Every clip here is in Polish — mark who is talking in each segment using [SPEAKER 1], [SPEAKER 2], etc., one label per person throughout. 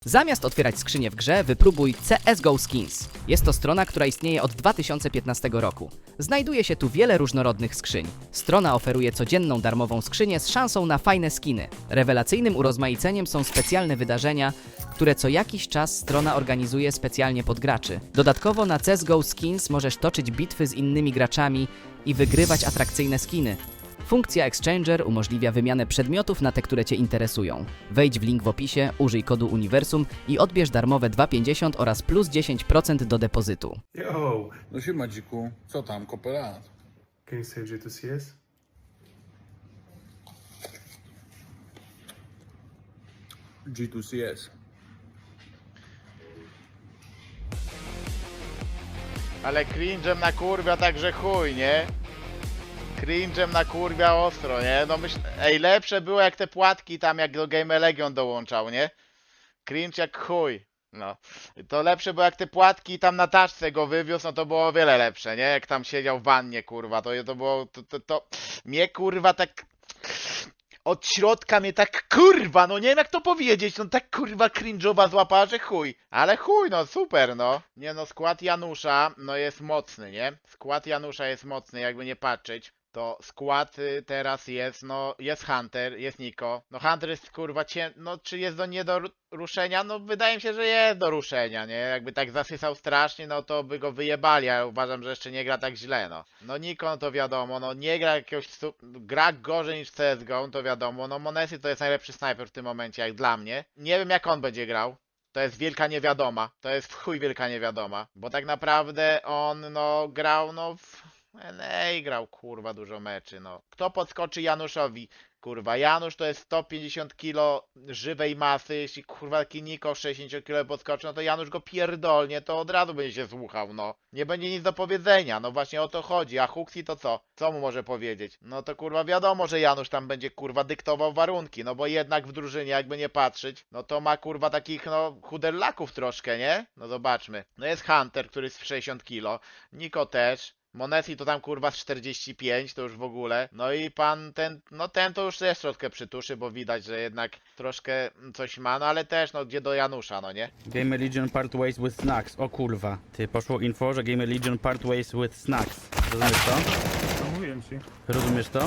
[SPEAKER 1] Zamiast otwierać skrzynię w grze, wypróbuj CSGO Skins. Jest to strona, która istnieje od 2015 roku. Znajduje się tu wiele różnorodnych skrzyń. Strona oferuje codzienną darmową skrzynię z szansą na fajne skiny. Rewelacyjnym urozmaiceniem są specjalne wydarzenia, które co jakiś czas strona organizuje specjalnie pod graczy. Dodatkowo na CSGO Skins możesz toczyć bitwy z innymi graczami i wygrywać atrakcyjne skiny. Funkcja Exchanger umożliwia wymianę przedmiotów na te, które Cię interesują. Wejdź w link w opisie, użyj kodu Uniwersum i odbierz darmowe 2,50 oraz plus 10% do depozytu.
[SPEAKER 2] Yo,
[SPEAKER 3] No siema dziku, co tam, kopelat?
[SPEAKER 2] can you say G2CS?
[SPEAKER 3] G2CS.
[SPEAKER 4] Ale cringe'em na kurwia także chuj, nie? Cringe'em na kurwia ostro, nie? No myśl... Ej, lepsze było jak te płatki tam, jak do Game Legion dołączał, nie? Cringe jak chuj. No. To lepsze było jak te płatki tam na taczce go wywiózł, no to było o wiele lepsze, nie? Jak tam siedział w wannie, kurwa, to było... To... Mnie kurwa tak... Od środka mnie tak kurwa, no nie wiem jak to powiedzieć, no tak kurwa cringe'owa złapała, że chuj. Ale chuj, no super, no. Nie no, skład Janusza, no jest mocny, nie? Skład Janusza jest mocny, jakby nie patrzeć. To skład teraz jest, no jest Hunter, jest Niko. No Hunter jest kurwa no czy jest nie do ruszenia? No wydaje mi się, że jest do ruszenia, nie? Jakby tak zasysał strasznie, no to by go wyjebali, ale uważam, że jeszcze nie gra tak źle, no. No Niko, no to wiadomo, no nie gra jakiegoś, gra gorzej niż CSGO, no to wiadomo. No Monesi to jest najlepszy snajper w tym momencie, jak dla mnie. Nie wiem jak on będzie grał. To jest wielka niewiadoma. To jest w chuj wielka niewiadoma. Bo tak naprawdę on, no, grał, no, w NA grał, kurwa, dużo meczy, no. Kto podskoczy Januszowi? Kurwa, Janusz to jest 150 kg żywej masy. Jeśli, kurwa, taki Niko 60 kg podskoczy, no to Janusz go pierdolnie, to od razu będzie się słuchał, no. Nie będzie nic do powiedzenia, no właśnie o to chodzi. A Huxi to co? Co mu może powiedzieć? No to, kurwa, wiadomo, że Janusz tam będzie, kurwa, dyktował warunki, no bo jednak w drużynie, jakby nie patrzeć, no to ma, kurwa, takich, no, chuderlaków troszkę, nie? No zobaczmy. No jest Hunter, który jest 60 kg, Niko też. Monesi to tam kurwa z 45, to już w ogóle. No i pan ten, no ten to już też troszkę przytuszy, bo widać, że jednak troszkę coś ma, no ale też no gdzie do Janusza, no nie?
[SPEAKER 5] Gamer Legion part ways with snacks. O kurwa. Ty, poszło info, że Gamer Legion part ways with snacks. Rozumiesz to?
[SPEAKER 2] to mówiłem ci.
[SPEAKER 5] Rozumiesz to?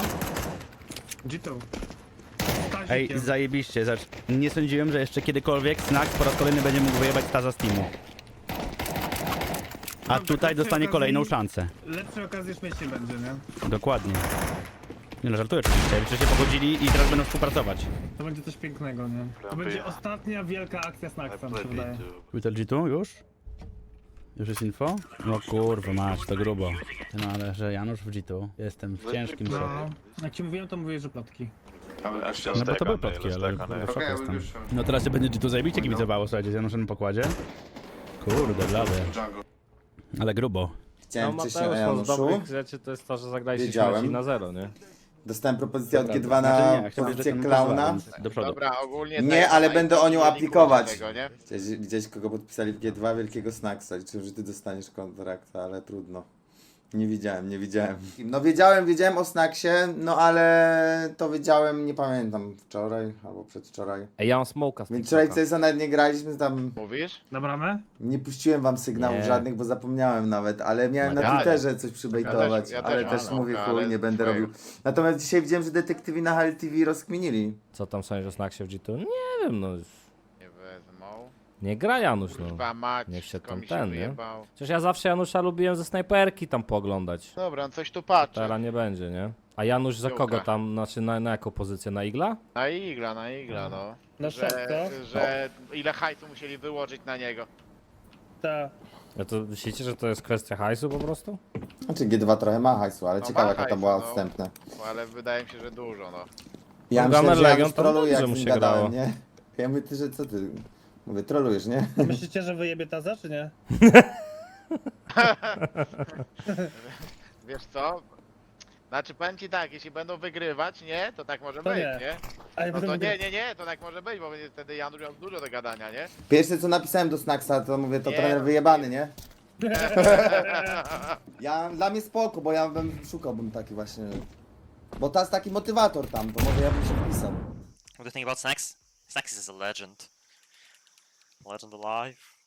[SPEAKER 2] G2.
[SPEAKER 5] Ej, zajebiście, zacz. Nie sądziłem, że jeszcze kiedykolwiek Snacks po raz kolejny będzie mógł wyjebać staza Steamu. A tutaj dostanie kolejną szansę.
[SPEAKER 2] Lepszej okazji już mieć nie będzie, nie?
[SPEAKER 5] Dokładnie. Nie no, żartuję oczywiście. Przecież się pogodzili i teraz będą współpracować.
[SPEAKER 2] To będzie coś pięknego, nie? To będzie ostatnia wielka akcja Snacksa, mi się wydaje.
[SPEAKER 5] Twitter G2 już? Już jest info? No kurwa mać, to grubo. No ale że Janusz w G2. Jestem w ciężkim szoku.
[SPEAKER 2] No, jak ci mówiłem, to mówię, że plotki.
[SPEAKER 5] No bo to były plotki, ale w szoku jestem. No teraz się będzie G2 zajebiście kibicowało, słuchajcie, z Januszem na pokładzie. Kurde, blady. Ale grubo.
[SPEAKER 6] Chciałem coś o
[SPEAKER 7] z
[SPEAKER 6] Januszu.
[SPEAKER 7] dobrych rzeczy to jest to, że zagraliście
[SPEAKER 6] Wiedziałem.
[SPEAKER 7] śmieci na zero, nie?
[SPEAKER 6] Dostałem propozycję od G2
[SPEAKER 5] Znaczy
[SPEAKER 6] na
[SPEAKER 5] nie, chciałbym,
[SPEAKER 6] pozycję
[SPEAKER 5] że ten
[SPEAKER 6] klauna.
[SPEAKER 5] pozwala, do przodu.
[SPEAKER 4] Dobra, ogólnie...
[SPEAKER 6] Nie,
[SPEAKER 4] tak,
[SPEAKER 6] ale
[SPEAKER 4] tak,
[SPEAKER 6] będę o nią
[SPEAKER 4] nie
[SPEAKER 6] aplikować.
[SPEAKER 4] tego, nie?
[SPEAKER 6] Widziałeś kogo podpisali w G2? Wielkiego Snacksa. Liczyłem, że ty dostaniesz kontrakt, ale trudno. Nie widziałem. No wiedziałem o Snacksie, no ale to wiedziałem, nie pamiętam, wczoraj albo przedwczoraj.
[SPEAKER 7] Ej, ja mam smoka z
[SPEAKER 6] Więc wczoraj
[SPEAKER 7] TikToka.
[SPEAKER 6] CS nawet nie graliśmy, tam
[SPEAKER 4] Mówisz?
[SPEAKER 2] Na bramę?
[SPEAKER 6] nie puściłem wam sygnałów
[SPEAKER 7] Nie.
[SPEAKER 6] żadnych, bo zapomniałem nawet, ale miałem na
[SPEAKER 4] Ja
[SPEAKER 6] Twitterze coś przybejtować,
[SPEAKER 4] ja
[SPEAKER 6] ale
[SPEAKER 4] też
[SPEAKER 6] też
[SPEAKER 4] mam,
[SPEAKER 6] mówię,
[SPEAKER 4] ale
[SPEAKER 6] chuj, nie będę
[SPEAKER 4] twoje.
[SPEAKER 6] robił. Natomiast dzisiaj widziałem, że detektywi na HLTV rozkminili.
[SPEAKER 7] Co tam sądzisz o Snacksie w G2? Nie wiem, no.
[SPEAKER 4] Nie wezmą.
[SPEAKER 7] Nie gra Janusz, no.
[SPEAKER 4] Kurwa mać,
[SPEAKER 7] Niech się
[SPEAKER 4] wszystko
[SPEAKER 7] tam
[SPEAKER 4] mi
[SPEAKER 7] ten, nie?
[SPEAKER 4] wyjebało.
[SPEAKER 7] Przecież ja zawsze Janusza lubiłem ze snajperki tam pooglądać.
[SPEAKER 4] Dobra, no coś tu patrzę.
[SPEAKER 7] Teraz nie będzie, nie? A Janusz za
[SPEAKER 4] Piłka.
[SPEAKER 7] kogo tam, znaczy na jaką pozycję? Na igla?
[SPEAKER 4] Na igla, no.
[SPEAKER 2] Na szopkę?
[SPEAKER 4] Że ile hajsu musieli wyłożyć na niego.
[SPEAKER 2] Tak.
[SPEAKER 7] Ja to myślicie, że to jest kwestia hajsu po prostu?
[SPEAKER 6] Znaczy G2 trochę ma hajsu, ale
[SPEAKER 4] No
[SPEAKER 6] ciekawe
[SPEAKER 4] ma
[SPEAKER 6] jaka to
[SPEAKER 4] hajsu,
[SPEAKER 6] była
[SPEAKER 4] no.
[SPEAKER 6] odstępne.
[SPEAKER 4] No, ale wydaje mi się, że dużo, no.
[SPEAKER 6] Ja
[SPEAKER 7] No,
[SPEAKER 6] myślałem,
[SPEAKER 7] Gamer
[SPEAKER 6] że
[SPEAKER 7] Legion
[SPEAKER 6] Janusz
[SPEAKER 7] to
[SPEAKER 6] troluje,
[SPEAKER 7] dobrze
[SPEAKER 6] jak
[SPEAKER 7] mu
[SPEAKER 6] z nim
[SPEAKER 7] się
[SPEAKER 6] gadałem,
[SPEAKER 7] grało.
[SPEAKER 6] nie? Ja mówię, ty, że co ty? Mówię, trolujesz, nie?
[SPEAKER 2] Myślicie, że wyjebie taza, czy nie?
[SPEAKER 4] Wiesz co? Znaczy powiem ci tak, jeśli będą wygrywać, nie? To tak może
[SPEAKER 2] To
[SPEAKER 4] być,
[SPEAKER 2] nie.
[SPEAKER 4] nie?
[SPEAKER 2] Ale
[SPEAKER 4] No to
[SPEAKER 2] będę-
[SPEAKER 4] nie, to tak może być, bo będzie wtedy Janusz miał dużo do gadania, nie?
[SPEAKER 6] Pierwsze co napisałem do Snacksa, to mówię, to
[SPEAKER 4] Nie,
[SPEAKER 6] trener
[SPEAKER 4] no,
[SPEAKER 6] wyjebany, nie? Dla mnie spoko, bo ja bym szukałbym taki właśnie... Bo to jest taki motywator tam, to może ja bym się wpisał.
[SPEAKER 8] What do you think about Snacks? Snacks is a legend. Legend alive.